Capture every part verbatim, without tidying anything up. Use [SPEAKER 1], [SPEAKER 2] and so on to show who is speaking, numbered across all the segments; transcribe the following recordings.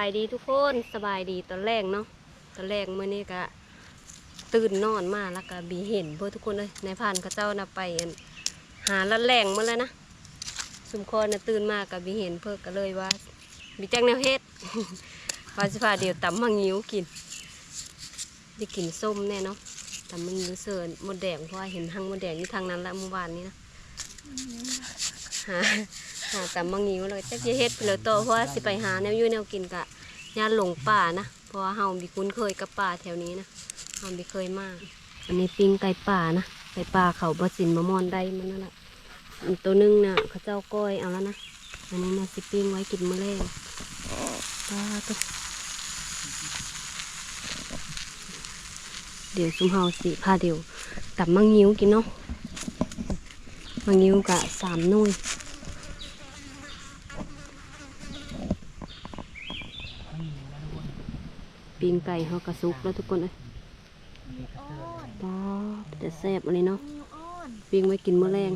[SPEAKER 1] ายดีทุกคนสบายดีตอนแรกเนาะตอนแรกเมื่อนี้ก็ตื่นนอนมาแล้วก็บีเห็นเพื่อทุกคนเลยในผ่านข้าเจ้านะไปหาละแรงมาแล้วนะสุมคอนะตื่นมากับบีเห็นเพื่อก็เลยว่าบีแจ้งแนวเฮ็ดว่าสิพาเดี๋ยวตำมังงิ้วกินได้กินส้มแน่เนาะตำมังงิ้วเสิร์นมดแดงเพราะว่าเห็นทางมดแดงอยู่ทางนั้นละเมื่อวานนี้นะหาหาตำมังงิ้วเลยจะเฮ็ดเลยโตเพราะว่าสิไปหาแนวยุ่แนวกินกะญาติหลงป่านะเพราะว่าเฮาบีคุ้นเคยกับป่าแถวนี้นะเฮาบีเคยมากอันนี้ปิ้งไก่ป่านะไก่ป่าเขาบะสินมะม่อนได้มันนั่นแหละตัวนึงน่ะเขาเจ้าก้อยเอาแล้วนะอันนี้นะสิปิ้งไว้กินมื้อแรกปลาตัวเดี๋ยวซุมเฮาสิพาเดี๋ยวตับมังงิ้วกินเนาะมังงิ้วกะสามหน่วยปิ้งไก่เฮากระซุกแล้วทุกคนเลยปลาจะแซ่บอะไรเนาะปิ้งไว้กินมื้อแรง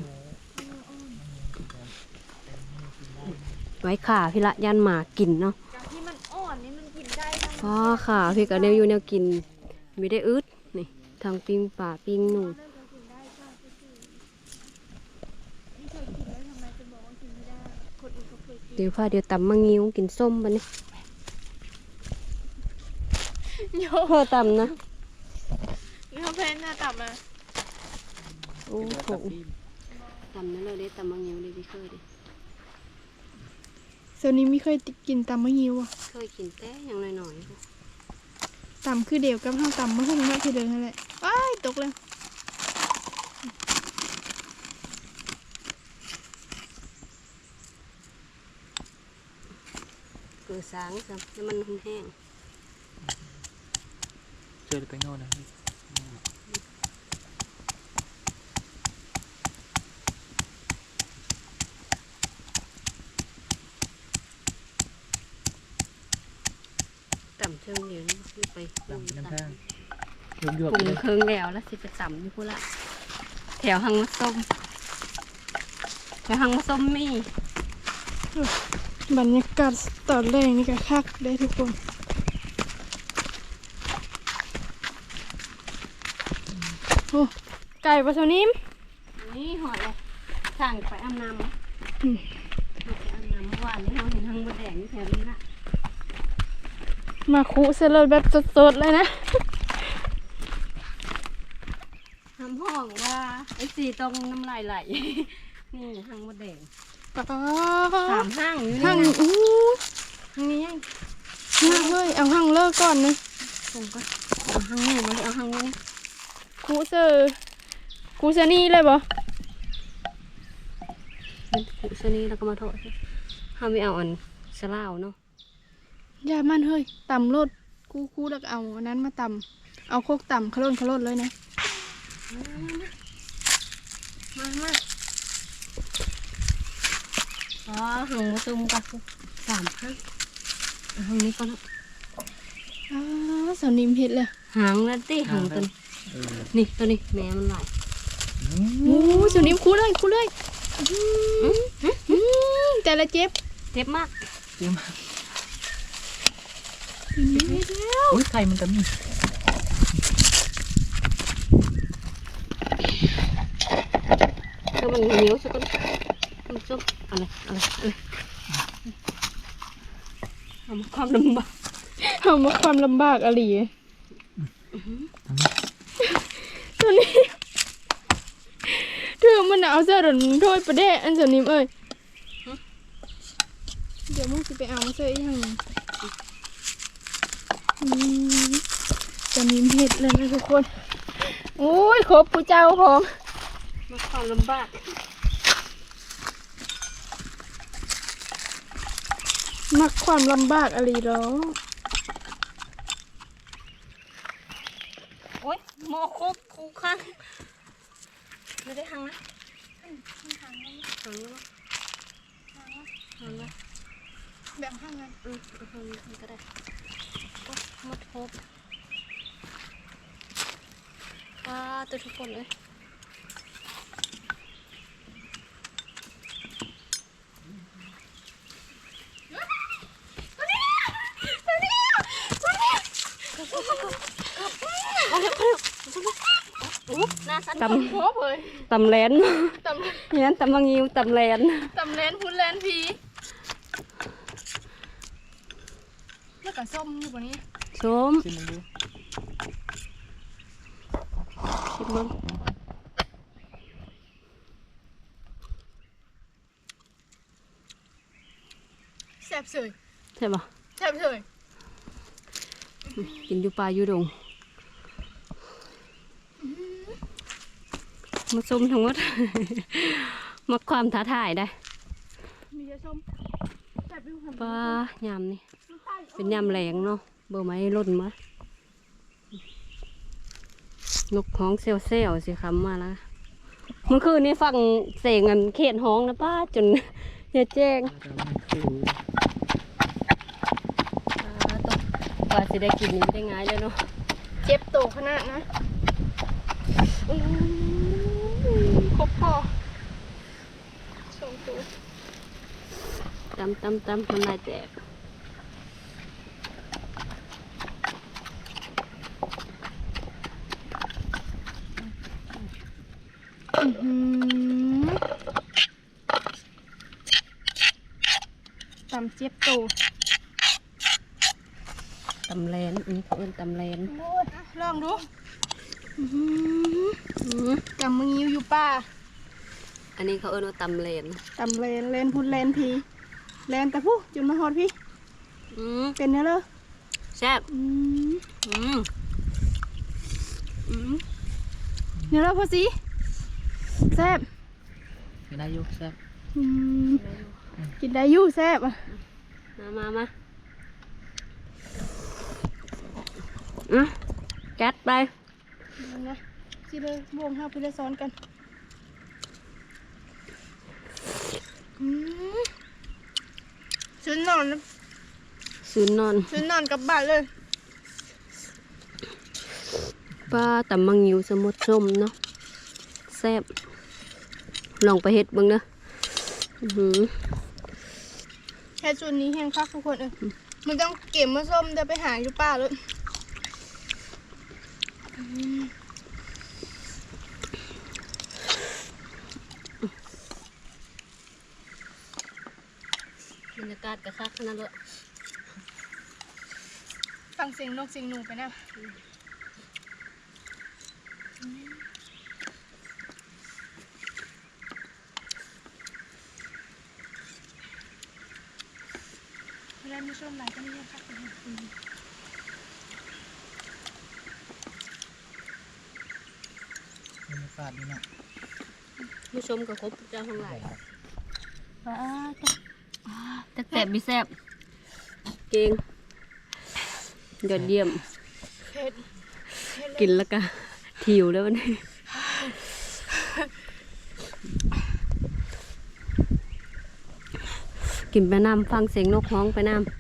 [SPEAKER 1] ไว้ขาพี่ละย่านหมากินเนาะที่มันอ่อนนี่มันกินได้อ๋อขาพี่ก็แนวอยู่แนวกินไม่ได้อึดนี่ทางปิ้งป่าปิ้งหนูเดี๋ยวพาเดี๋ยวตำมังงิ้วกินส้มปะเนี่ยเพื่อตำนะ
[SPEAKER 2] นี่เขาเพนหน้าต่ำมา
[SPEAKER 1] โอ้โหตำนั่นเลยได้ตำมังงิ้วได้ที่เคยดิ
[SPEAKER 2] โซนนี้ไม่เคยกินตำมะงิ้วอ่ะ
[SPEAKER 1] เคยกินแต่อย่างหน่อย
[SPEAKER 2] ๆตำคือเดียวกับข้าวตำมะฮุ่งมากทีเดียวนั่นแหละว้ายตกเลย
[SPEAKER 1] เกลือสางจ้ะแล้วมันแห้ง
[SPEAKER 3] เจอไปโน่นนะ
[SPEAKER 1] ต่ำเชิงเดียวนี่ไปปรุงน้ำตาล
[SPEAKER 3] ปรุง
[SPEAKER 1] เครื่องแล้วแล้วสิไปต่ำนี่พูดละแถวหังมะส้มแถวหังมะส้มมี
[SPEAKER 2] บรรยากาศตอนแรกนี่ก็คักได้ทุกคนโอ้ไก่ปลาสนิม
[SPEAKER 1] นี่หอยเลยสั่งไปอาบน้ำไปอาบน้ำเมื่อวานนี้เราเห็นหังมะแดงแถวนี้ละ
[SPEAKER 2] มาคุเสร็จแบบสดๆเลยนะ
[SPEAKER 1] ทำห้องว่าไอ้สีตรงน้ำลายไหลนี่หังมะแดงสามห้างอยู่นี่นะ
[SPEAKER 2] อู้
[SPEAKER 1] ห้างนี้ยัง
[SPEAKER 2] น่าเฮ้ยเอาห้างเลิกก่อนนะ
[SPEAKER 1] ส่งก่อนเอาห้างนี้มาเอาห้างนี้นี่
[SPEAKER 2] คุเซอร์คุเซนี่เลยบ่
[SPEAKER 1] เป็นกุศนีแล้วก็มาทอดห้าไม่เอาอันสลาวเนาะ
[SPEAKER 2] ยามันเฮ้ยตำรสคู่คู่แล้วเอาอันนั้นมาตำเอาโคกตำขลุ่นขลุ่นเลยนะ
[SPEAKER 1] มามาอ๋อหังมาซุ่มกันสามห้างหังนี้ก็แล้ว
[SPEAKER 2] อ๋อสาวนิ่มเห็ดเลย
[SPEAKER 1] หางแล้วตีหางตัวนี้นี่ตัวนี้แม่มันไหล
[SPEAKER 2] โอ้สาวนิ่มคู่เลยคู่เลยแต่ละเจ็บ
[SPEAKER 1] เจ็บมาก
[SPEAKER 3] เจ็บมากโอ้ยไข่มันก็มี
[SPEAKER 1] ก็มันเหนียวสักคนมันส้มอะไรอะไรอะไรทำความลำบาก
[SPEAKER 2] ทำมาความลำบากอะไรตัวนี้ถือมันเอาเสื้อหนุนโทษประเดะอันสนิมเอ้ยเดี๋ยวมึงจะไปเอาเสื้อยังสนิมเห็ดเลยนะทุกคนโอ้ยครบผู้เจ้าพร้อม
[SPEAKER 1] มาความลำบาก
[SPEAKER 2] มักความลำบากอะไรหรอ
[SPEAKER 1] โอ้ยโมโคบคูข้างไม่ได้หังนะหังหังหังนะ
[SPEAKER 2] แบบหังไง
[SPEAKER 1] อืมหังก็ได้โอ้ยหมดโคบว้าตัวทุกคนเลยตำ
[SPEAKER 2] โคบเลย
[SPEAKER 1] ตำแลน
[SPEAKER 2] ตำ
[SPEAKER 1] เนี่ยตำมังงิวตำแลน
[SPEAKER 2] ตำแลนพุนแลนพีแล้วก็ส้มอยู่บนนี้
[SPEAKER 1] ส้ม
[SPEAKER 3] ชิมมึงดู
[SPEAKER 1] ชิมมึง
[SPEAKER 2] แซ่บเสย
[SPEAKER 1] ใช่ปะ
[SPEAKER 2] แซ่บเสย
[SPEAKER 1] กินอยู่ป่าอยู่ดงมาส้มทั้งหมด มาความท้าทายได้
[SPEAKER 2] มีเยอะส้มแซ่บอยู่ค่ะ
[SPEAKER 1] ปลายำนี่เป็นยำแหลงเนาะเบอร์ไม้ล่นมานกฮ้องเซลเซลสิคำมาแล้วเมื่อคืนนี้ฟังเสียงอันเขตฮ้องนะป้าจน อย่าแจ้ง
[SPEAKER 3] ปลาดำมันคือ
[SPEAKER 1] ปลาตกปลาสิได้กินนี่ไม่ได้ง่ายเลยเนาะ
[SPEAKER 2] เจ็บโตขนาดนะอื้อครบพอสองตัว
[SPEAKER 1] ตำตำตำมันลายแตก
[SPEAKER 2] อื้อหือตำเจ็บโต
[SPEAKER 1] ตำแลนอันนี้เขาเอิ้นตำแลน
[SPEAKER 2] โอ้ยอ่ะลองดูอื้อหือ
[SPEAKER 1] อือ
[SPEAKER 2] ตำมึงยิ้วอยู่ป่า
[SPEAKER 1] อันนี้เขาเอิ้นว่าตำแลน
[SPEAKER 2] ตำเลนเลนพุนเลนพีเลนแต่ผู้จุนมาฮอดพี่
[SPEAKER 1] อืม
[SPEAKER 2] เป็นเนื้อเลย
[SPEAKER 1] แซ่บ
[SPEAKER 2] อืม
[SPEAKER 1] อืมอืม
[SPEAKER 2] เนื้อเลยพอสิแซ่บ
[SPEAKER 3] ไม่ได้ยุกแซ่บ
[SPEAKER 2] อืมกินได้อยู่แซ่บอ่ะ
[SPEAKER 1] มามามาอ่ะจัดไป
[SPEAKER 2] เอานะสิเลยบวงห้าพี่เลยซ้อนกันอืมชุดนอน
[SPEAKER 1] ซื้อนอน
[SPEAKER 2] ชุดนอนกลับบ้านเลย
[SPEAKER 1] ปลาตำมังยิวสมุทรส้มเนาะแซ่บลองไปเฮ็ดเบิ่งเด้ออื้อหือ
[SPEAKER 2] แค่ชุดนี้แห้งคักทุกคนเออมันต้องเก็บมาส้มเดี๋ยวไปหาอยู่ป่าเลย
[SPEAKER 1] บรรยากาศกระคักขนาดเลย
[SPEAKER 2] ฟังเสียงนกเสียงหนูไปนะเวลามีส้มหลายก็นี่ครับ
[SPEAKER 3] บรรยากาศนี่เนาะ
[SPEAKER 1] ผู้ชมกับครบเจ้าทั้งหลายปลาแต่แซ่บมีแซ่บเก่งยอดเยี่ยม
[SPEAKER 2] เผ็ดเผ็ดเลย
[SPEAKER 1] กินแล้วก็ถิวแล้ววันนี้กินไปน้ำฟังเสียงนกฮ้องไปน้ำ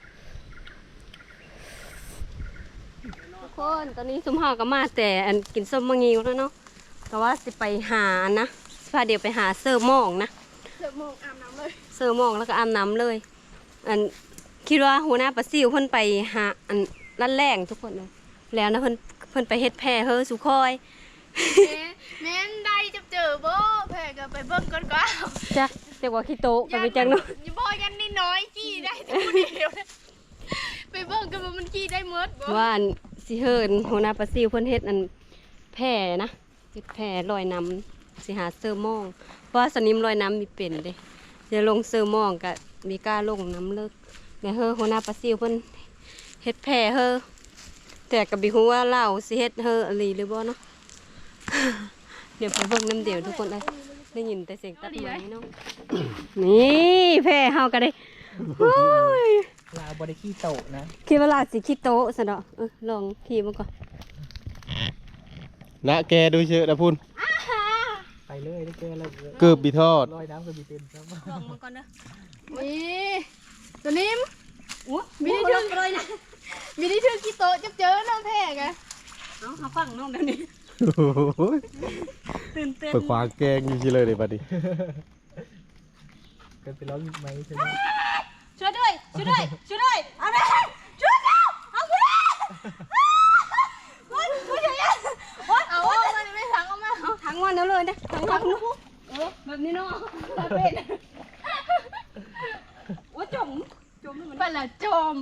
[SPEAKER 1] ทุกคนตอนนี้สมหาก็มาแต่อันกินส้มมะงิวแล้วเนาะแต่ว่าสิไปหานะพาเดี๋ยวไปหาเสิร์ฟหมองนะ
[SPEAKER 2] เสิร์ฟโมงอาบน้ำเลย
[SPEAKER 1] เสิร์ฟหมองแล้วก็อาบน้ำเลย อันคิดว่าหัวหน้าปลาซิวเพิ่นไปหาอันลั่นแรงทุกคนเลยแล้วนะเพิ่นเพิ่นไปเฮ็ดแพร่เฮอสุคอย
[SPEAKER 2] แม่นได้จะเจอบ่แพ้ก็ไปเบิ่งก่อนก็
[SPEAKER 1] จ้ะเรียกว่าขี้โตะไปไปจังเนาะ
[SPEAKER 2] อย่าบ่ยันนิดน้อยจี้ได้แต่ผู้เดียวนะไปเบิ่งกันว่ามันจี้ได้หมดบ่
[SPEAKER 1] ว่าอันสิเฮินหัวหน้าปลาซิวเพิ่นเฮ็ดอันแพร่นะเฮ็ดแพร่ลอยน้ำสิหาเสิร์ฟหมองเพราะว่าสนิมลอยน้ำมีเป็นเด้จะลงเสิร์ฟหมองก็มีกล้าลงน้ำเลิกแล้วเฮอหัวหน้าปลาซิวเพิ่นเฮ็ดแพร่เฮอแต่ก็บ่ฮู้ว่าเล่าสิเฮ็ดเฮออะไรหรือบ่เนาะ เดี๋ยวไปเบิ่งน้ำเดียวทุกคนเลยได้ยินแต่เสียงตัดไม้เนาะ นี่แพร่เฮาก็ได้โอ้ย
[SPEAKER 3] ลาวบริขี้โตะนะ
[SPEAKER 1] คิดว่าลาสิขี้โตะซะเนาะเออลองขี่มาก่อน
[SPEAKER 4] นะแกดูเชอะนะพุ่น
[SPEAKER 3] ไปเลยได้เจอแล้ว
[SPEAKER 4] เกือบบีทอด
[SPEAKER 3] ลอยน้ำก็มีเป็นครับ
[SPEAKER 1] ลองมาก่อนเด้อ
[SPEAKER 2] นี่ตัวนิ่ม
[SPEAKER 1] โอ้
[SPEAKER 2] มี
[SPEAKER 1] มี
[SPEAKER 2] ได้
[SPEAKER 1] ได้
[SPEAKER 2] ถึ
[SPEAKER 1] ถึ
[SPEAKER 2] ง
[SPEAKER 1] งเลยนะ
[SPEAKER 2] มีได้ชื่อกี่โตะจับเจอน้องแพ้กะ
[SPEAKER 1] เอาหาฟังน้องเดี๋ยวนี้
[SPEAKER 4] โอ้ย
[SPEAKER 1] ตื่นเต้น
[SPEAKER 4] เปิดขวางแกงอยู่ที่เลยเดี๋ยวบัดนี้
[SPEAKER 3] กันไปร้องไหมใช่ไหม
[SPEAKER 1] ช่วยด้วยช่วยด้วยช่วยด้วยเอาเลยช่วยแล้วเอาไปเลยโอ๊ยโอ๊ยอย่าอย่าโอ๊ย
[SPEAKER 2] เอา
[SPEAKER 1] โอ๊ย
[SPEAKER 2] มันไม่ถังเอาไหม
[SPEAKER 1] อนแล้วเลยนะทางเราเออแบบนี้เนาะเป็นว่าจมจมมัน
[SPEAKER 2] ไปละจม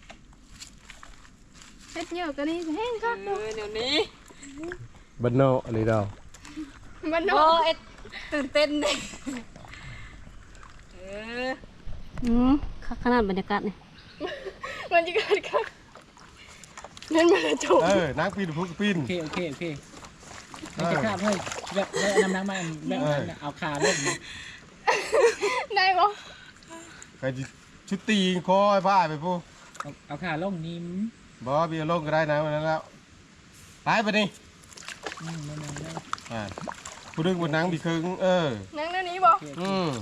[SPEAKER 2] เฮ็ดเยอะก็นี่แห้งคัก
[SPEAKER 1] เออเดี๋ยวนี้
[SPEAKER 4] บันโนอันนี้เรา
[SPEAKER 2] มัน
[SPEAKER 1] โอ้
[SPEAKER 2] เนาะ
[SPEAKER 1] เอ็ดตื่นเต้นเลยเอออืมขนาดบรรยากาศนี่
[SPEAKER 2] มันจะเกิดคักนั่นมันละจม
[SPEAKER 4] เออนักปีนพุกปีน
[SPEAKER 3] โอเคโอเคโอเคไม่จะข้ามให้แบบแบบน้ำน้ำมันแบบเอาขาลง
[SPEAKER 2] ได้บ่
[SPEAKER 4] ใครจะชุดตีคอยผ้าไปพู
[SPEAKER 3] เอาเอาขาลงนิ่ม
[SPEAKER 4] บอเบียร์ลงก็ได้นะวันนั้นแล้วตายไปนี่
[SPEAKER 3] อืมนั่นนั่นนั่น
[SPEAKER 4] อ่าผู้ดึงบนนังบีครึ่งเออ
[SPEAKER 2] นั่งเดี๋ยวนี้บ่
[SPEAKER 4] อืม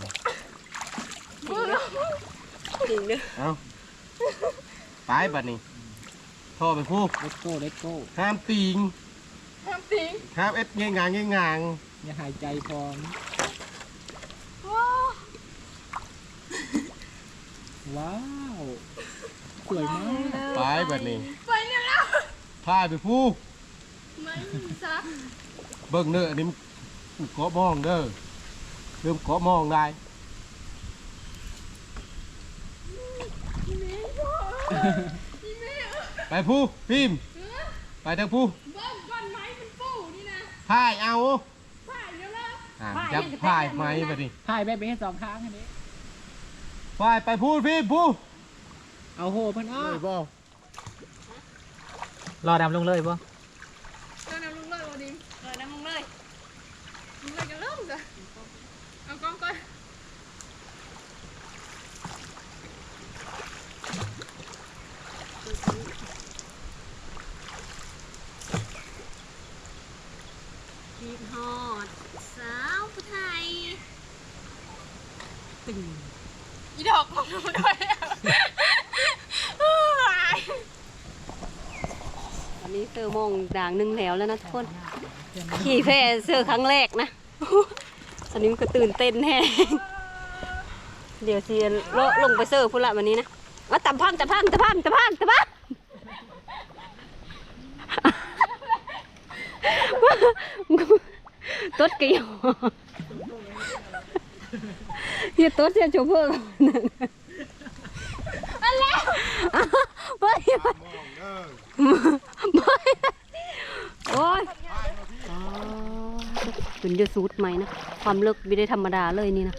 [SPEAKER 1] จริงเด้อ
[SPEAKER 4] เอาตายบัดนี้พ่อไปพู
[SPEAKER 3] เลตโก้เลตโก้
[SPEAKER 4] ห้ามตีง
[SPEAKER 2] ห้ามติง
[SPEAKER 4] ห้ามเอ็ดเงี้ยงางเงี้ยงาง
[SPEAKER 3] อย่าหายใจพร้อม
[SPEAKER 2] ว้าว
[SPEAKER 3] ว้าวสวยมาก
[SPEAKER 4] ตายบัดนี้
[SPEAKER 2] ไปเนี่ยแล้ว
[SPEAKER 4] ผ้าไปพู
[SPEAKER 2] ไม่ซัก
[SPEAKER 4] เบิ่งเนื้อนี่มันเกาะมองเด้อเริ่มเกาะมองได้ไปพูพิมพ์ไปทางพู
[SPEAKER 2] เบิ้งก้อนไม้มันปูนี่นะ
[SPEAKER 4] พายเอา
[SPEAKER 2] ผ่านแล้วล่ะ
[SPEAKER 4] อ่าจับพายไหมบัดนี้
[SPEAKER 3] พายแบบไปให้สองข้างอันนี้
[SPEAKER 4] พายไปพูพิมพ์พู
[SPEAKER 3] เอาโหเพิ่นอ้อ
[SPEAKER 4] เลยบ่
[SPEAKER 3] รอดำลงเลยป่ะ
[SPEAKER 2] เดินเอาลุงเลยโอดิม
[SPEAKER 1] เออน้ำมึงเลย
[SPEAKER 2] ลุงเลยจะเริ่มจ้ะเอากล้องก่อน
[SPEAKER 1] พีทฮอดสาวผู้ไทยตึง
[SPEAKER 2] อีดอกของหนูด้วยอะ
[SPEAKER 1] ตอนนี้เซอร์โมงด่างหนึ่งแล้วแล้วนะทุกคน ขี่แพเซอร์ครั้งแรกนะ ตอนนี้มันก็ตื่นเต้นแน่เดี๋ยวเซียนเลาะลงไปเซอร์พุ่นละวันนี้นะว่าตะพังตะพังตะพังตะพังตะพังตดกระยอเฮียตดเสียโชเฟอร์อันแล้วไปไปโอ้ยเป็นเยอะสูตรใหม่นะความเลิกไม่ได้ธรรมดาเลยนี่นะ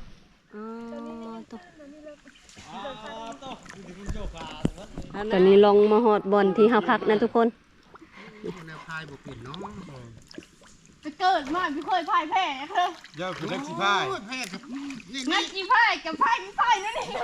[SPEAKER 1] ตอนนี้ลองมาหอดบอลที่ห้าพักนะทุกคน
[SPEAKER 4] พายบุกเปลี่ยนน้อง
[SPEAKER 2] จะเกิดมาไม่เคยพ่ายแพ้เธอ
[SPEAKER 4] เจ้าคือนักสิพาย
[SPEAKER 2] นักกีพ่ายกับพ่ายไม่พ่ายนั่นเอง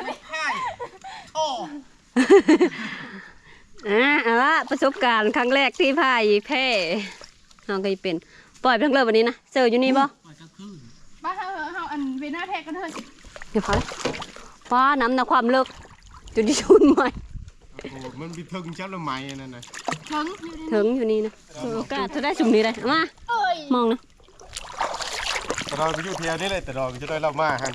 [SPEAKER 1] อ่าเอาละประสบการณ์ครั้งแรกที่พายแพ้น้องก็จะเป็นปล่อยไปทั้งเลยวันนี้นะเจออยู่นี่บ่
[SPEAKER 2] บ้าเธอเฮาอันเวน่าแท็กกันเถอะ
[SPEAKER 1] เดี๋ยวพอฟ้าน้ำนะความเลิกจุดที่ชุนใหม่
[SPEAKER 4] โอ้มันมีถึงเจ้าละไม้นั่นน่ะ
[SPEAKER 2] ถึง
[SPEAKER 1] ถึงอยู่นี่นะโอกาสจะได้สุ่มนี้เลยเอามา
[SPEAKER 2] เอ้ย
[SPEAKER 1] มองนะ
[SPEAKER 4] แต่เราไปอยู่เที่ยวนี่เลยแต่เราจะได้เล่ามาฮัน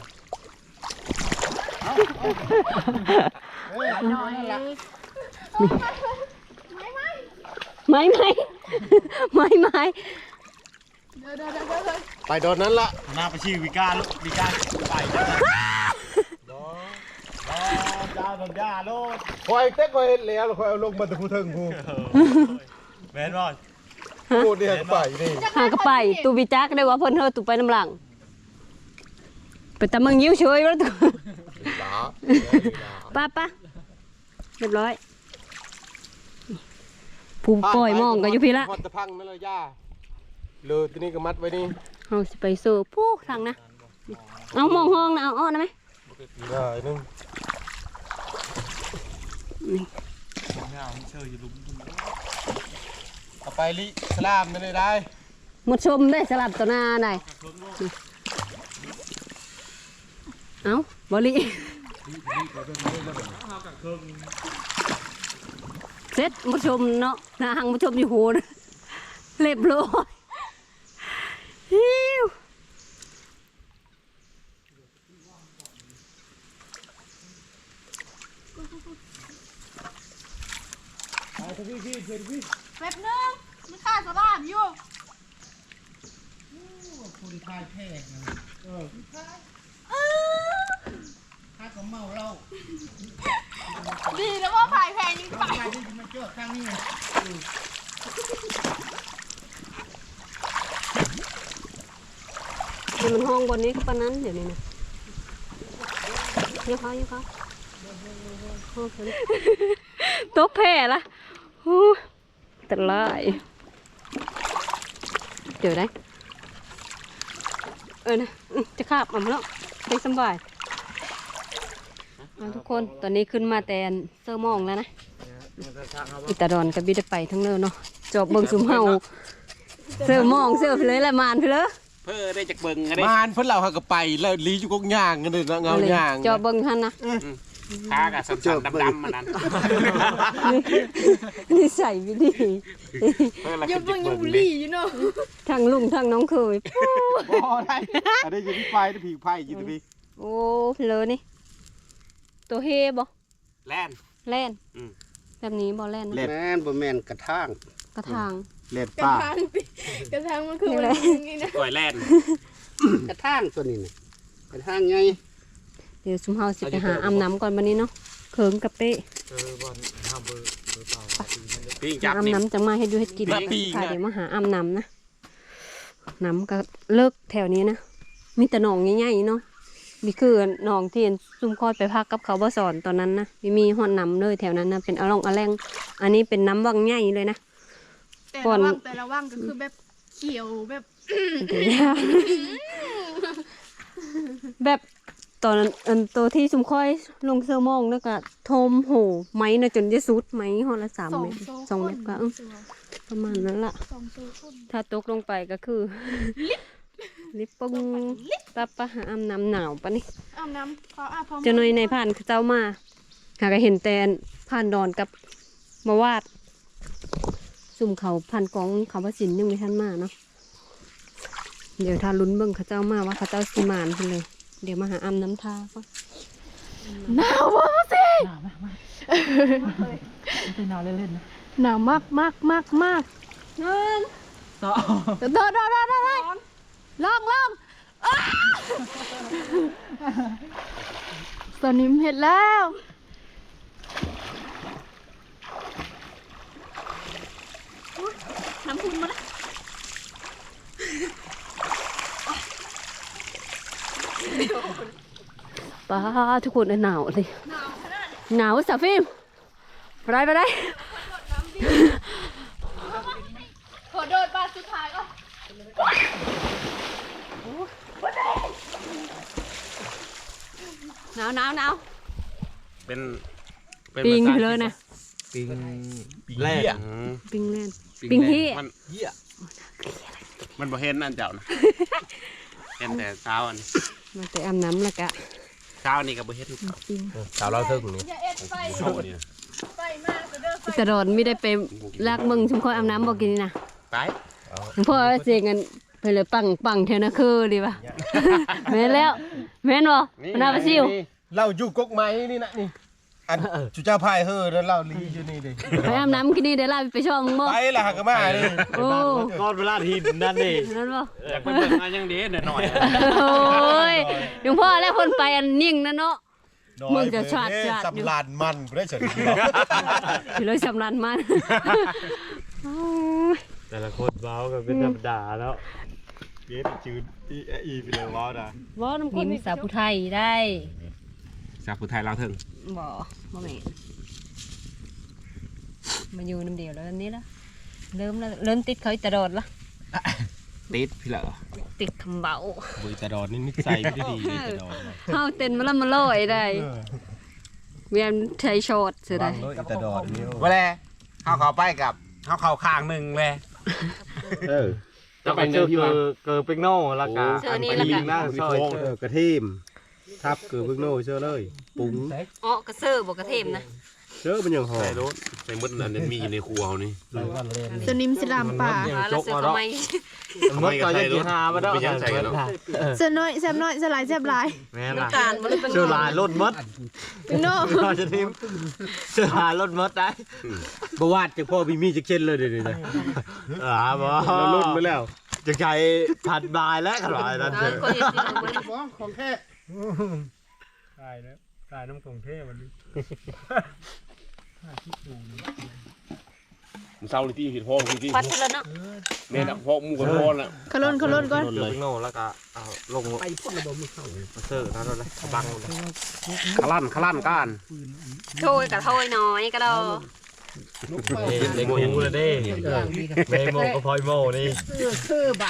[SPEAKER 2] ไม่ไม่
[SPEAKER 1] ไม่ไม่ไม่ไม่
[SPEAKER 2] เดี๋ยวเดี๋ยวเดี๋ยวเดี๋ยว
[SPEAKER 4] ไปโดนนั้นละ
[SPEAKER 5] หน้าไปชื่อวิการวิการไปจ้าจ้าโดนย่าโลด
[SPEAKER 4] คอยเต็กคอยเห็นแล้วคอยเอาลงมาตะพูเทิงพู
[SPEAKER 5] แมนบอล
[SPEAKER 4] พูดเนี่ยไปนี่
[SPEAKER 1] หากระไปตูบิจักได้ว่าเพิ่นเฮาตูไปน้ำหลังไปตะมึงยิ้วเฉยแล้วตู
[SPEAKER 4] ด่า
[SPEAKER 1] ป้าป้าเรียบร้อยผู้ปล่อยมองก็อยู่พี่ละ
[SPEAKER 4] พอตะพังนั่นเลยย่าเลยทีนี้ก็มัดไว้นี่
[SPEAKER 1] เฮาสิไปเสิร์ฟผู้ทางนะเอามองห้องนะเอาอ้อนะไหม
[SPEAKER 4] ได้นึง
[SPEAKER 5] ไม่เอาเชื่ออยู่ลุม
[SPEAKER 4] เอาไปลิสลามนั่นเลยได้
[SPEAKER 1] หมดชมได้สลับต่อหน้าได้เอาบริเสร็จหมดชมเนาะหน้าหังหมดชมอยู่โหนเรียบร้อยฮิว
[SPEAKER 2] แป๊บนึงมันฆ่าสลามอยู่
[SPEAKER 3] ายแท้เออถ้าก็เมาเหล้า
[SPEAKER 2] ดีแล้วว่าพายแพงยิ่งไป
[SPEAKER 3] ใครที่มาเจอครั้งนี้
[SPEAKER 1] เดี๋ยวมันห้องบนนี้ก็ปานนั้นเดี๋ยวนี้นะเยอะเขาเยอะเขาห้องฉันตกแผ่ละโอ้แต่ลายเดี๋ยวได้เออนะจะขาบอ่ะแล้วให้สบายทุกคนตอนนี้ขึ้นมาแต่เซอร์มองแล้วนะอิตาดอนกับบิดไปทั้งเนื้อเนาะจอบเบิ่งซุมเฮาเซอร์มองเซอร์ไปเลยละมานไปเลย
[SPEAKER 3] เพื่อได้จากเบิ่งกันได้
[SPEAKER 4] มานเพิ่นเราหาก็ไปแล้วลีอยู่กกย่างกันเลยเงาย่าง
[SPEAKER 1] จอบเบิ่งท่านนะ
[SPEAKER 3] ขากับสันๆดำๆมันนั้น
[SPEAKER 1] นี่ใส่วิธี
[SPEAKER 2] ยังเบิ่งยังบุหรี่อยู่เนาะ
[SPEAKER 1] ทางลุงทางน้องเคย
[SPEAKER 4] พอได้อันนี้อยู่ที่ไฟที่ผีไผ่อยู่ที่พี่
[SPEAKER 1] โอ้เลยนี่ตัวเฮบ่
[SPEAKER 3] แล่น
[SPEAKER 1] แล่น
[SPEAKER 3] อืม
[SPEAKER 1] แบบนี้บ่แล่นนะ
[SPEAKER 4] แม่นบ่แม่นกระทาง
[SPEAKER 1] กระทาง
[SPEAKER 4] เล็ด
[SPEAKER 2] กระ
[SPEAKER 4] ป้า
[SPEAKER 2] ทางติกระทางมันคือมันนี่นะ
[SPEAKER 3] ก่อยแล่น
[SPEAKER 4] กระทางตัวนี้น่ะกระทางไง
[SPEAKER 1] เดี๋ยวซุมเฮาสิไปหาอาบน้ำก่อนบัดนี้เนาะเขิงกับเป้
[SPEAKER 3] ปิ้ง
[SPEAKER 1] หา
[SPEAKER 3] จับ
[SPEAKER 1] อาบ
[SPEAKER 3] นี่
[SPEAKER 1] น้ำจังมาให้ดูให้กิน
[SPEAKER 3] มาปีก
[SPEAKER 1] ค่ะ
[SPEAKER 3] นะ
[SPEAKER 1] เดี๋ยวมาหาอาบน้ำนะน้ำก็เลิกแถวนี้นะมีแต่หนองใหญ่ๆเนาะมีคือหนองที่ซุ่มคอยไปพักกับเขาบ่สอนตอนนั้นนะมีมีหอดน้ำเลยแถวนั้นนะเป็นอะล่องอะแรงอันนี้เป็นน้ำวังใหญ่เลยนะ
[SPEAKER 2] แต่
[SPEAKER 1] ก่อ
[SPEAKER 2] ละ
[SPEAKER 1] น
[SPEAKER 2] ว่างแต่ละว่างก็คือแบบเขียวแบบ
[SPEAKER 1] แบบตอนนั้นอันตัวที่ซุมค่อยลงเซอร์มองแล้วก็โทมโหไม้นะจนจะสุดไม้หอละสาม
[SPEAKER 2] สอง
[SPEAKER 1] เมตร
[SPEAKER 2] โซ่
[SPEAKER 1] สองเมตรก็อื้อประมาณนั้นละ
[SPEAKER 2] สองโซ่คน
[SPEAKER 1] ถ้าตกลงไปก็คือ ลิปปงตับปะหาอาบน้ำหนาวปะนี่
[SPEAKER 2] อาบน้ำพออาบพร้อม
[SPEAKER 1] เจะหน่อยในผ่านเจ้ามาหาก็เห็นแต่ผ่านดอนกับมาวาด สุ่มเขาผ่านกองเขาพระสินยังไม่ทันมาเนาะเดี๋ยวถ้าลุ้นเบิ่งเขาเจ้ามาว่าเขาเจ้าสิมานไปเลย เดี๋ยวมาหาอาบน้ำทาก็
[SPEAKER 2] หนาววะสิ
[SPEAKER 3] หนาวมากมากไม่ใช่หนาวเล่นๆนะ
[SPEAKER 2] หนาวมากมากมากมาก
[SPEAKER 3] ต่อ
[SPEAKER 2] เดินเดินเดินเดินเดินลองลองอ้าตอนนี้เห็นแล้วน้ำพุนมาแล้ว
[SPEAKER 1] ป้าทุกคนหนาวเลยหนาวสาวฟิล์มไปได้ไปได้
[SPEAKER 2] ขอโดดบาทสุดท้ายก่อน
[SPEAKER 1] หนาวหนาวหนาว
[SPEAKER 3] เป็น
[SPEAKER 1] ปิงไปเลยนะ
[SPEAKER 3] ปิง
[SPEAKER 4] แล่
[SPEAKER 1] ปิงเล่นปิงเฮีย
[SPEAKER 3] มันมันบ่เห็นอันเจ้านะเห็นแต่เช้าอัน
[SPEAKER 1] มาแต่อาบน้ำแล้วกะ
[SPEAKER 3] เช้านี่ก็บ่เห็น
[SPEAKER 1] ปิง
[SPEAKER 4] สาวเราเทิงนี่
[SPEAKER 2] อย่าเอ็ดไฟ
[SPEAKER 3] โชว์นี่
[SPEAKER 2] ไฟมากก็เด้อไฟ
[SPEAKER 1] ตลอดไม่ได้ไปลากมึงชุมคอยอาบน้ำบอกกินนี่นะ
[SPEAKER 3] ไป
[SPEAKER 1] หลวงพ่อเสียเงินไปเลยปังปังเทนะคือดีป่ะ แม่นแล้วแม่นบ่มันน่าไปซิว
[SPEAKER 4] เราอยู่กกไม้นี่นะนี่อันจุเจ้าพายเฮ้อแล้วเราลีอยู่นี่ดิ
[SPEAKER 1] ไปอาบน้ำกินนี่เดี๋ยวลาไปช่องมึงบ่
[SPEAKER 4] ไปละหากมาเลย
[SPEAKER 1] โอ้
[SPEAKER 5] ก้อนเวลาทีนั่นนี่
[SPEAKER 1] นั่นบ่
[SPEAKER 5] อยากไปเบิ่งมายังดีหน่อย
[SPEAKER 1] โอ้ยหลวงพ่อแล้วคนไปอันนิ่งนะเนาะ มึงจะชาดชาดอยู่
[SPEAKER 4] สำลานมันบ่ได้เฉย
[SPEAKER 1] อยู่เลยสำรันมัน
[SPEAKER 5] แต่ละคนเว้าก็เป็นธรรมดาแล้วเย็ดจืดอีอีไปเลยเว้านะ
[SPEAKER 1] บ่น้ำคนมีสาวผู้ไทยได้
[SPEAKER 3] สาวผู้ไทยเราถึง
[SPEAKER 1] บ่บ่แม่นมาอยู่น้ำเดียวแล้วอันนี้ละเริ่มแล้วเริ่มติดเขาอีตลอดละ
[SPEAKER 3] ติดพี่เหรอ
[SPEAKER 1] ติดคำเบา
[SPEAKER 4] บุยตะดอนนี่นิสัยไม่ได้ดีเลยตะดอน
[SPEAKER 1] เข้าเต้นมาแล้วมาลอยได้เวียนใช้ช็อตเสียได้
[SPEAKER 4] วางรถตะดอนนี่
[SPEAKER 3] ว่าแลเขาเขาไปกับเขาเขาข้างหนึ่งเลย
[SPEAKER 4] เออ
[SPEAKER 5] จะไปเจอเกอเกอเป็กโน่แล้วก็
[SPEAKER 1] เจอนี่แล้วกัน
[SPEAKER 5] หน้าซอย
[SPEAKER 4] เออกระทิมทับเกลือพึ่งโน่เชื่อเลยปุ้ง
[SPEAKER 1] อ๋อกระเซอร์บอกกระเทมนะ
[SPEAKER 4] เชื่อเป็นอย่างหอ
[SPEAKER 3] ใส่
[SPEAKER 4] ม
[SPEAKER 3] รถใส่มดอันนั้นมีอยู่ในครัวเขานี่
[SPEAKER 2] สนิมสลามป่า
[SPEAKER 1] แล้วเสือทำไม
[SPEAKER 5] มดก็จะกินหามาได้
[SPEAKER 3] ไม่ยังใส่กันหรอก
[SPEAKER 2] เสยน้อยแซมน้อยสลายแซบหลาย
[SPEAKER 5] แม่ล่ะ
[SPEAKER 1] น้ำตาลมันเลยเป็น
[SPEAKER 5] เชื่อลายรถมด
[SPEAKER 2] เป็นโน่
[SPEAKER 5] เราจะทิมเชื่อลายรถมดได้
[SPEAKER 4] บวาดจากพ่อพี่มีจะเช่นเลยเดี๋ยวนี้นะ
[SPEAKER 5] อ่าบ่
[SPEAKER 4] เราลุ่นไปแล้ว
[SPEAKER 5] จะใช้พันบายแล้วขนาดนั้น
[SPEAKER 1] เอ
[SPEAKER 5] เถ
[SPEAKER 1] อ
[SPEAKER 5] อะ
[SPEAKER 1] คนจะสิลงมา
[SPEAKER 4] บ่ของแท้
[SPEAKER 5] ตายแล้วตายน้ำกรุงเทพวันนี้
[SPEAKER 6] มึงเศร้าเลยที่เห็นพ่อพี่ที่
[SPEAKER 1] พัดแล้วเนาะ
[SPEAKER 6] แม่ดักพ่อมูกันพ่อน่ะ
[SPEAKER 2] ขลุ่นขลุ่นก่อน
[SPEAKER 5] เดี๋ยวไปโน่แล้วก็เอาลง
[SPEAKER 4] ไปพ่นระบบมือเข้า
[SPEAKER 5] มาเสิร์ฟนั่นเลยบังเลย
[SPEAKER 3] ขลั่นขลั่นก้าน
[SPEAKER 1] โทยกับโทยน้อยก็ดอ
[SPEAKER 5] เล็กมูเลยเด้เมโมก็พอยโมนี่
[SPEAKER 4] คือบ่า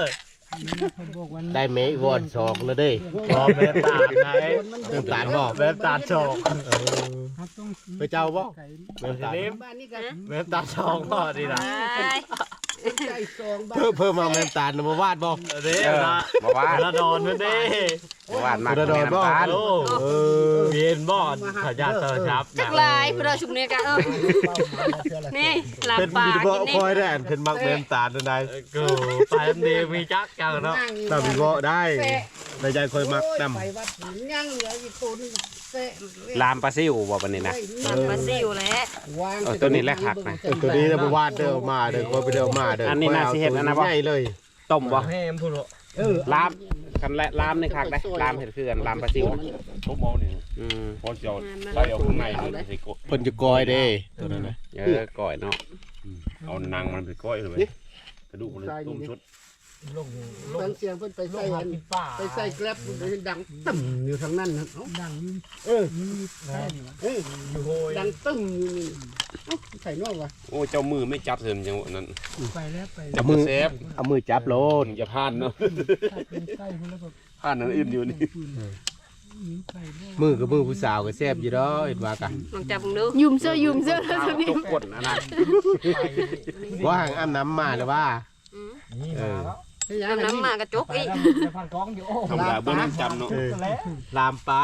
[SPEAKER 6] ได้เมฆวอดสองแล้วเด้
[SPEAKER 5] พอแม่ตาดไง
[SPEAKER 6] เริ่มตาดบ่
[SPEAKER 5] แม่ตาดชอง
[SPEAKER 6] ไปเจ้าบ่เริ่มตาด
[SPEAKER 4] บ้านนี้ก็
[SPEAKER 5] แม่ตาดชองพ่อดีนะ
[SPEAKER 4] ใจซองบ้า
[SPEAKER 6] เพิ่มเพิ่มมาแม่ตาดมาวาดบ่
[SPEAKER 5] เด้นะ
[SPEAKER 3] บ่ว่า
[SPEAKER 5] ระดอนมันเด้
[SPEAKER 3] บ่ว่ามา
[SPEAKER 6] คุณดอนบ่
[SPEAKER 5] โอ้เวียนบอดขยันเตอร์ชับ
[SPEAKER 1] จักลายเพื่อชุมเนี่ยกันเออนี่หลับ
[SPEAKER 6] เป็น
[SPEAKER 1] ปา
[SPEAKER 6] มี
[SPEAKER 1] ก
[SPEAKER 6] บ่
[SPEAKER 1] กินนี่
[SPEAKER 6] คอยได้อันเป็นมักแม่ตาดนั่นได้
[SPEAKER 5] กูไปอันดีมีจักจังเนาะ
[SPEAKER 6] ตามีบ่ได้ในใจคอยมักนำ
[SPEAKER 4] ไปวัดยังเหลืออีกตัวนึงเสะ
[SPEAKER 3] ลามปลาซิวบ่ปานนี้นะ
[SPEAKER 1] หลับมาซิวแล้ว
[SPEAKER 4] วาง
[SPEAKER 3] เอาตัวนี้แหละคักนะ
[SPEAKER 6] ตัวนี้นะบ่วาดเด้อมาเด้อคอยไปเด้อมาเด้อ
[SPEAKER 3] อั
[SPEAKER 6] อั
[SPEAKER 3] นนี้น่าสิเฮ็ดอันนั้นบ่
[SPEAKER 6] ใหญ่เลย
[SPEAKER 3] ต้มบ่
[SPEAKER 5] แม่มพูดเหรอ
[SPEAKER 4] เออ
[SPEAKER 3] ลามคันและลามนี่คักได้ลามเฮ็ดคือกันลามปลาซิว
[SPEAKER 6] ทุบเอานี่
[SPEAKER 3] อืม
[SPEAKER 6] พอจะเอาใส่เอาข้างในเลยใส่กดเพิ่นจะกอยเด้ตัวนั้นน่ะ
[SPEAKER 3] เออก่อยเนาะ
[SPEAKER 6] เอานางมันไปก้อยเลยกระดูกมันต้มชุด
[SPEAKER 4] ฟังเสียงเพิ่นไปใส่อันไปใส่แกร็บมันดังตึ้มอยู่ทางนั้นนะดังเออเออดังตึ้มอยู่นี่เอ้าใส่นอกวะ
[SPEAKER 6] โอ้เจ้ามือไม่จับเถิมจังหวะนั้น
[SPEAKER 4] ไปแล้วไป
[SPEAKER 6] จับมือเซฟเอามือจับโลดอย่าพลาดเนาะพลาดนั้นอื่นอยู่นี่มือกับมือผู้สาวก็แซ่บอยู่ดอกเห็นว่ากัน
[SPEAKER 1] ลองจับมึงดู
[SPEAKER 2] ยุ่มเสื้อยุ่มเสื้อแล้ว
[SPEAKER 3] ข้าว
[SPEAKER 2] จะมี
[SPEAKER 3] ตกกดอันนั้น
[SPEAKER 6] ว่าหางอ้ำน้ำมาหรือว่า
[SPEAKER 5] นี่
[SPEAKER 6] เออ
[SPEAKER 1] น้ำน้ำมากระจกอีก
[SPEAKER 5] พันกองอยู่โอ้
[SPEAKER 6] ธรรมดาเบื้องน้ำจำเนาะลามปลา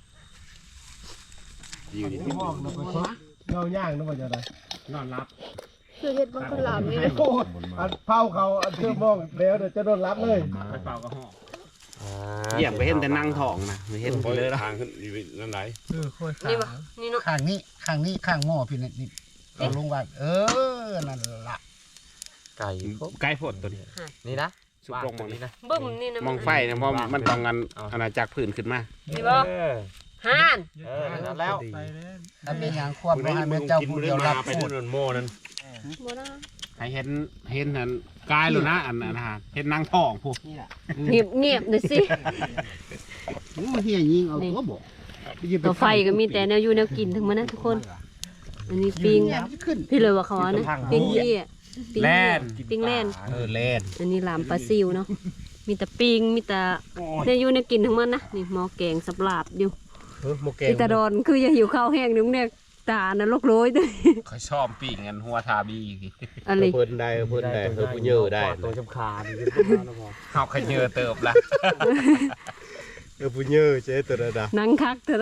[SPEAKER 6] อยู่นี่
[SPEAKER 4] เราย่างนึกว่าจะได้
[SPEAKER 3] นอนรับ
[SPEAKER 2] เสื้อเฮ็ดบางคนหลับนี่
[SPEAKER 4] โอ้อันเผาเขาอันเชื่อมองแล้วเดี๋ยวจะโดนรับเลย
[SPEAKER 3] ไปเป่ากระห้องเหยียบไปเห็นแต่นั่งท้องนะไม่เห็น
[SPEAKER 6] คอย
[SPEAKER 3] เลยละ
[SPEAKER 6] ทางขึ้นอยู่นั่นไหน
[SPEAKER 1] นี่ปะนี่เนาะ
[SPEAKER 4] ข้างนี้ข้างนี้ข้างหม้อพี่นี่นี่เอาลงวัดเออนั่นละ
[SPEAKER 5] ไก่
[SPEAKER 3] ใกล้ฝนตัวนี้
[SPEAKER 5] นี่นะ
[SPEAKER 3] สุกลงมองนี่นะ
[SPEAKER 1] บึ้มนี่นะ
[SPEAKER 3] มองไฟนะเพราะมันต้องกันอาณาจักรผื่นขึ้นมา
[SPEAKER 1] นี่บ่ห่าน
[SPEAKER 5] เออนั่นแล้ว
[SPEAKER 4] ถ้าเป็นอย่างควบบ่ให้แม่เจ้าผู้เดียวรับ
[SPEAKER 6] ไป
[SPEAKER 4] พู
[SPEAKER 6] นู่
[SPEAKER 4] ด
[SPEAKER 6] นโมนั่น
[SPEAKER 1] บ่ได้
[SPEAKER 3] ให้เห็นเห็นอันกายเลยนะอันอันนะเห็นนั่งท้องพวก
[SPEAKER 1] เงียบเงียบหน่อยสิ
[SPEAKER 4] โอ้เฮียยิงเอาตัวบ่
[SPEAKER 1] ต่อไฟก็มีแต่แนวอยู่แนวกินทั้งมันนะทุกคน อันนี้ปิง
[SPEAKER 4] ขึ้น
[SPEAKER 1] พี่เลยว่าเขาว่านะปิงเหี้ยปิง
[SPEAKER 3] แล่
[SPEAKER 1] เหี้ย
[SPEAKER 3] น
[SPEAKER 1] ปิงแล่น
[SPEAKER 6] เออเล่น
[SPEAKER 1] อันนี้ลามปลาซิวเนาะ มีแต่ปิง มีแต่เนี่ยอยู่ในกินทั้งมันนะ นี่หมอแกงสับลาบอยู่
[SPEAKER 6] เออโมเก
[SPEAKER 1] อีตาดอนคืออย่าหิวข้าวแห้งนึงเนี่ยตานะลกโรยด้วย
[SPEAKER 3] เขาชอบปีกเงินหัวทาบี
[SPEAKER 1] อะไร
[SPEAKER 6] เพิ่นได้เพิ่นได้เพิ่นผู้เยอะได้
[SPEAKER 5] ตัวจำคาญ
[SPEAKER 3] เขาขยเยอเติบละ
[SPEAKER 6] เออผู้เยอะเจ๊ตัวระดับ
[SPEAKER 1] นังคักเธอได้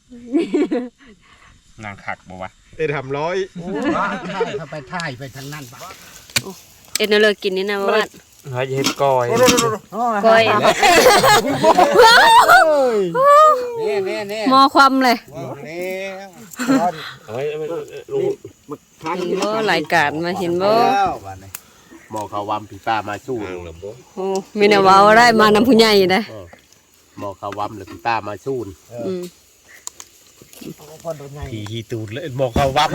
[SPEAKER 3] นางขักบอกว่า
[SPEAKER 6] เอ็ดทำร้อย
[SPEAKER 4] ถ่ายเข้าไปถ่ายไปทางนั้นปะ
[SPEAKER 1] เอ็ดนาเลยกินนี่นะว่า
[SPEAKER 5] เฮ้ยเฮ็ดก้อย
[SPEAKER 1] ก้อย
[SPEAKER 4] เน่เน่เน่
[SPEAKER 1] หมอความเลย
[SPEAKER 4] เน่
[SPEAKER 6] เฮ้ยลุง
[SPEAKER 1] เห็นบ่รายการมาเห็นบ่
[SPEAKER 6] หมอเขาวำผีป้ามาสู้
[SPEAKER 1] โอ้มีแนวเว้าได้มานำผู้ใหญ่นะ
[SPEAKER 6] หมอเขาวำหรือผีป้ามาสู้
[SPEAKER 1] อืม
[SPEAKER 6] ผีฮีตูดเลยหมอเขาวำ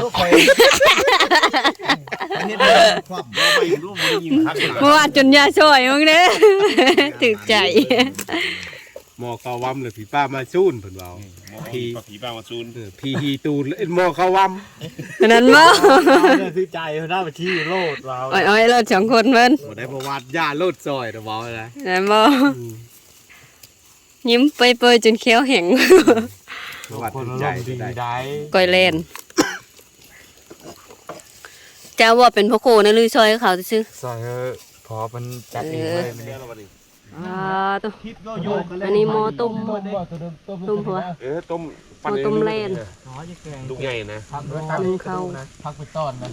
[SPEAKER 1] เพราะว่าจนยาช่วยมึงเด้อ ถึกใจ
[SPEAKER 6] หมอเขาวำหรือผีป้ามาสู้เพิ่นว่าผี ผีป้ามาสู้ผีฮีตูดเลยหมอเขาวำ
[SPEAKER 1] นั้นบ่
[SPEAKER 5] เนี่ยคือใจเขาหน้าไปที่โลดเรา
[SPEAKER 1] อ้อยๆเราสองคนเพิ่น
[SPEAKER 6] บ่ได้ประวัติย่าโลดซอยนะบอกเลย
[SPEAKER 1] นั้นบ่ยิ้มเปยๆจนเคี้ยวแห้ง
[SPEAKER 6] ประวัติ
[SPEAKER 5] คน
[SPEAKER 6] ใจ
[SPEAKER 5] ลมดี
[SPEAKER 6] ได้
[SPEAKER 5] ได้
[SPEAKER 1] ก้อยเล่นเจ้าว่าเป็นพ่อโคนะลือซอยเขาซื่อ
[SPEAKER 5] ซอยเออพอมันจัดเองเลยมันเนี่ย
[SPEAKER 1] อ่าตัวอันนี้หมอต้มต้มหัว
[SPEAKER 6] เออต้ม
[SPEAKER 1] หมอต้มแล่น
[SPEAKER 5] น้อยจะแกง
[SPEAKER 6] ลูกใหญ่นะ
[SPEAKER 5] พักด้วย
[SPEAKER 1] นึ่งเข้า
[SPEAKER 5] พักไปต้อนนะ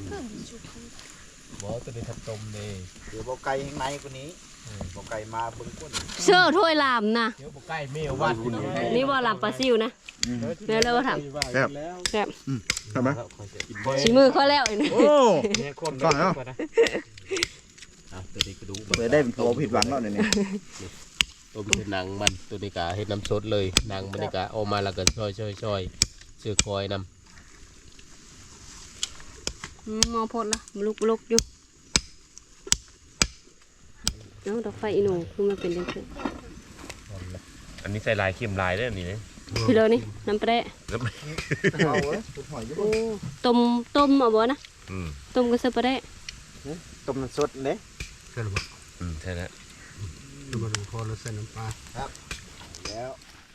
[SPEAKER 6] บ่ตัวนี้ทับต้มนี่
[SPEAKER 3] เดี๋ยวบอกไก่ข้างในกว่านี้บอกไก่มาเบิ้งก้น
[SPEAKER 1] เสื้อถ้วยลามนะ
[SPEAKER 5] เดี๋ยวบ่ใกล้เมลวัด
[SPEAKER 1] นี่ว่าลามปลาซิวนะเดี๋ยวเราว่าทำแซ่บ
[SPEAKER 6] ทำไม
[SPEAKER 1] ชิมือเขาแล้วอีกนะ
[SPEAKER 6] โอ้
[SPEAKER 5] เนี่ยคน
[SPEAKER 6] ก่อนเนาะ
[SPEAKER 5] นะ
[SPEAKER 6] ตัวนี้กระดูก
[SPEAKER 7] เพื่อได้เป็นตัวผิดหวังแล้วเนี่ย
[SPEAKER 6] ตัวเป็นหนังมันตัวนี้กะเฮ็ดน้ำสดเลยหนังมันนี่กะออกมาแล้วก็ช่อยช่อยช่อยเสือคอยนำ
[SPEAKER 1] อืมมอพดละลุกลุกอยู่เอ้าดอกไฟอีหนูคือมันเป็นจังซี่
[SPEAKER 6] อันนี้ใส่ลายเค็มลายได้อันนี้นะ
[SPEAKER 1] พี่เลยนี่น้ำแปะ
[SPEAKER 6] แล้วมัน
[SPEAKER 7] เอาเว้ยหอยอยู่
[SPEAKER 1] โอ้ต้มต้มเอาบ่นะ
[SPEAKER 6] อืม
[SPEAKER 1] ต้มก็ใส่ปลาแดะ
[SPEAKER 7] ต้มน้ำสดเลย
[SPEAKER 4] เกินบ่
[SPEAKER 6] อืมใช่แล้ว
[SPEAKER 4] ดูมาดูพอแล้วใส่น้ำปลา
[SPEAKER 7] แล้ว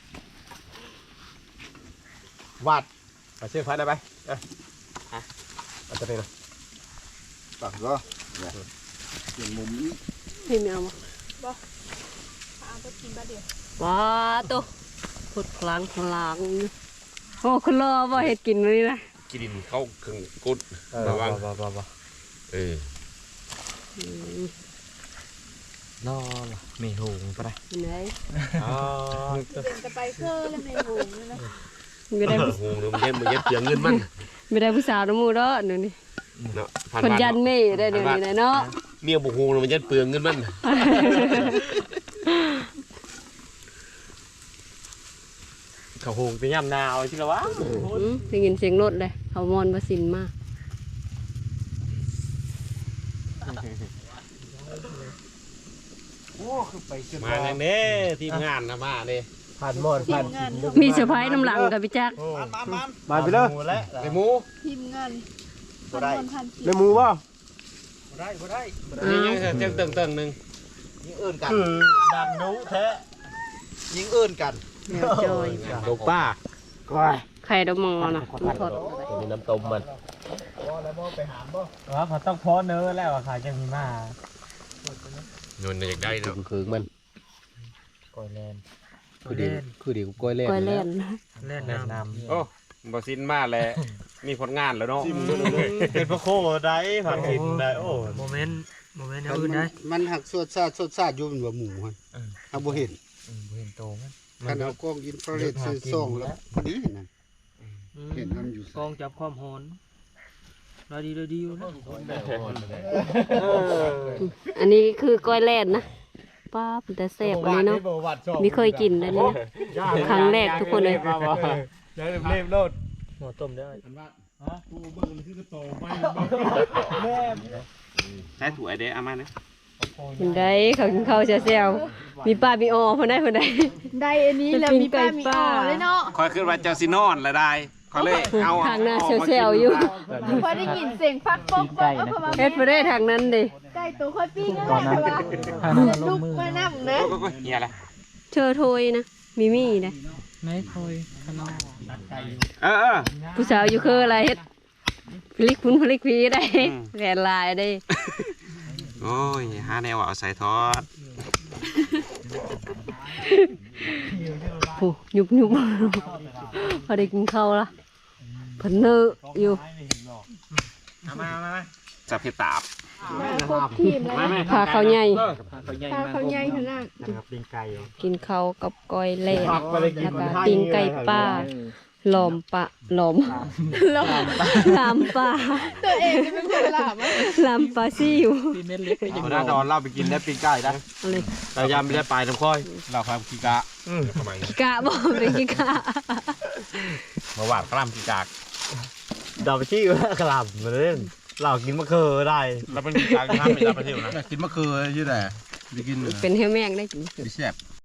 [SPEAKER 6] วาดไปเชือกพัดได้ไปอ่ะเอาตัวนี้นะ
[SPEAKER 7] ปักก็เนี่ยเปลี่ยนมุมนี้
[SPEAKER 1] พี่แมวมา
[SPEAKER 2] เอาไปกินบ้าเดียว
[SPEAKER 1] ว้าตัวพดพลางพลางอยู่โอ้คุณรอบ่เฮ็ดกินมื้อนี้นะ
[SPEAKER 6] กินเข้าเครื่องกุดระวังเออ
[SPEAKER 1] อืม
[SPEAKER 5] นอมีหูปะได้
[SPEAKER 1] ไหน
[SPEAKER 6] อ๋อ
[SPEAKER 2] เดินจะไปเคอแล้วในหูนี่นะ
[SPEAKER 1] ไม่ได้ผู้
[SPEAKER 6] โอ้โหมันเย็นมันเย็นเสียงเงินมัน
[SPEAKER 1] ไม่ได้ผู้สาวน้ำมูเด้อหนูนี่
[SPEAKER 6] เนาะ
[SPEAKER 1] เพิ่นยันเม่ได้เดี๋ยวนี้นะเนาะ
[SPEAKER 6] เมียบุกฮูมันเย็นเปลืองเงินมันเขาโหงไปย่ำนาเอาใช่ไหมวะ
[SPEAKER 1] อืมได้ยินเสียงรถเลยเขามอนบ่สินมา
[SPEAKER 6] มาอย่างนี้ทีมงานนะมาเนี่ย
[SPEAKER 5] ผ่านหมดผ่าน
[SPEAKER 2] งาน
[SPEAKER 1] มีเซอร์ไพรส์น้ำหลังกับพี่จัก
[SPEAKER 5] มาไปเลย
[SPEAKER 6] ไอ้หมู
[SPEAKER 2] ทีมงานพันคนพันกิ
[SPEAKER 5] ในหมูป่ะ
[SPEAKER 6] นี่ยังเจ้าเติงเติงหนึ่ง
[SPEAKER 7] ยิงเอื้อนกัน
[SPEAKER 5] คือดังนู้แท้
[SPEAKER 7] ยิงเอื้อนกัน
[SPEAKER 1] แมวจอย
[SPEAKER 6] ลูกป้า
[SPEAKER 1] ไข่ดอกมอนะมันทอด
[SPEAKER 6] มีน้ำต้มมัน
[SPEAKER 5] ว่าเขาต้องพ้อเนื้อแล้วอะค่ะจังมีมา
[SPEAKER 6] นวลอยากได้เนาะคือมัน
[SPEAKER 5] ก่อยแลน
[SPEAKER 6] คือดีคือดีกูก้อยเล่น
[SPEAKER 1] ก้อยเล่น
[SPEAKER 5] เล่นน้ำ
[SPEAKER 6] โอ้บอสินมาแล้วมีผลงานแล้วเนาะ
[SPEAKER 5] เป็นพระโคได้ผักกินได้โอ้โมเมนต์โมเมนต์อื่นได้
[SPEAKER 4] มันหักสวดซาดสวดซาดอยู่มันว่าหมูหั่นถ้าบ่เห็น
[SPEAKER 5] เห็นโตมัน
[SPEAKER 4] คันเอากล้องอินฟราเรดซื้อซองแล้วพอดีนั่นเห็นมันอยู่
[SPEAKER 5] กองจับความหอนได้ดีได้ดีอยู่นะ
[SPEAKER 1] อันนี้คือก้อยแล่นนะป้าเป็นแต่แซ่บอันนี้เนาะไม่เคยกินเลยนี่นะครั้งแรกทุกคนเลย
[SPEAKER 5] ได้เรียบโลดหมอต้มได้
[SPEAKER 6] ใช้ถั่วไอเด้อามาเนี่ย
[SPEAKER 1] เห็นได้เขากินข้าวแซ่บๆมีป้ามีออพอได้พอได้
[SPEAKER 2] ได้อันนี้แล้วมีป้ามีอ๋อเลยเนาะ
[SPEAKER 6] คอยขึ้นว่าเจ้าซินอนละได้เขาเลยเอา
[SPEAKER 1] ทางหน้าแซ่บๆอยู่
[SPEAKER 2] พอได้ยินเสียงฟักป๊อกป๊อกเอาเข้ามา
[SPEAKER 1] เฮ็ดพอได้ทางนั้นดิ
[SPEAKER 2] ใกล้ตัวค่อยปิ้งแล้วแต่ว่าลุกมานั่งนะ
[SPEAKER 6] เฮียอะไร
[SPEAKER 1] เชอโทยนะมีมี่นะ
[SPEAKER 3] ไม่คอยขนม
[SPEAKER 6] เออเออ
[SPEAKER 1] ผู้สาวอยู่คืออะไรเฮ็ดพลิกพุ้นพลิกพีได้แผนลายได้
[SPEAKER 6] โอ้ยห้าแนวเอาใส่ทอด
[SPEAKER 1] โอ้ยุบยุบพอได้กินข้าวละเพิ่นเนื้ออยู่
[SPEAKER 5] มามา
[SPEAKER 6] จับเห็ดตาบ
[SPEAKER 2] ครบทีมเลย
[SPEAKER 1] พาเขาวใหญ่
[SPEAKER 3] เขาใหญ่
[SPEAKER 2] ตาม
[SPEAKER 3] าก
[SPEAKER 2] เขาใหญ่ขนาด
[SPEAKER 5] นะครับปิ้งไก่
[SPEAKER 1] กินข้าวกับก้อยเล่แล้วก็ปิ้งไก่ป้าหลอมปะหลอม
[SPEAKER 2] หลอม
[SPEAKER 1] ลามปลา
[SPEAKER 2] ตัวเองจะเป็นคนหลามอ่ะ
[SPEAKER 1] ลามปลาซิว
[SPEAKER 3] พี่เม็ดเล็กเลยยัง
[SPEAKER 6] เอาหน้าดอนเล่าไปกินได้ปิ้งไก่ได้
[SPEAKER 1] เอาเลย
[SPEAKER 6] แต่ยามไม่ได้ปลายน้ำค่อยเราความกีกะทำไม
[SPEAKER 1] กะบอกเป็นกิกะ
[SPEAKER 6] มาหวานกล้ามกีกาก
[SPEAKER 5] ดอกไปชี้ว่ากลับมาเล่นเรากินมะเขือได้
[SPEAKER 6] เราเป็นกีกากห้ามไม่ได้ประเทศนะ
[SPEAKER 4] กินมะเขืออยู่แหละไปกิน
[SPEAKER 1] เป็นเฮลแมงได้กิน
[SPEAKER 4] แซ่บ